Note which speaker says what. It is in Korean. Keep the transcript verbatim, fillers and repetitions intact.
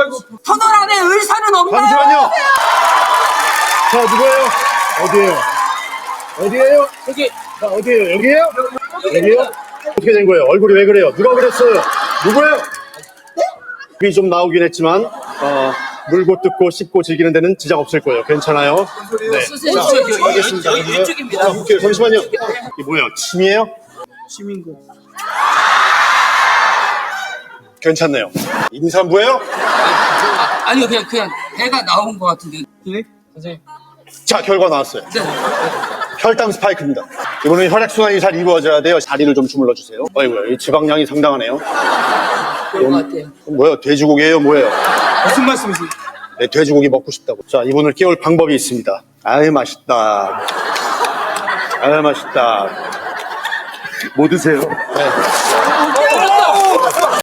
Speaker 1: 아이고.
Speaker 2: 터널 안에 의사는 없나요?
Speaker 3: 잠시만요. 자, 누구예요? 어디에요? 어디에요?
Speaker 1: 여기.
Speaker 3: 자, 어디에요? 여기에요? 여기에요? 어떻게 된 거예요? 얼굴이 왜 그래요? 누가 그랬어요? 누구예요? 입이 좀 나오긴 했지만 어, 물고 뜯고 씹고 즐기는 데는 지장 없을 거예요. 괜찮아요? 네.
Speaker 2: 선생님,
Speaker 3: 자,
Speaker 2: 여기, 여기,
Speaker 3: 알겠습니다.
Speaker 2: 여기, 여기 이쪽입니다.
Speaker 3: 자, 볼게요. 잠시만요. 이게 뭐예요? 침이에요?
Speaker 1: 시민고.
Speaker 3: 괜찮네요. 임산부예요?
Speaker 2: 아, 아니요, 그냥, 그냥 배가 나온 것 같은데.
Speaker 1: 네? 선생님.
Speaker 3: 자, 결과 나왔어요.
Speaker 2: 네.
Speaker 3: 혈당 스파이크입니다. 이번엔 혈액순환이 잘 이루어져야 돼요. 다리를 좀 주물러 주세요. 어이구야, 이 지방량이 상당하네요.
Speaker 2: 그런 것 같아요.
Speaker 3: 뭐예요? 돼지고기예요? 뭐예요?
Speaker 1: 무슨 말씀이세요?
Speaker 3: 네, 돼지고기 먹고 싶다고. 자, 이분을 깨울 방법이 있습니다. 아유, 맛있다. 아유, 맛있다. 뭐 드세요? 네.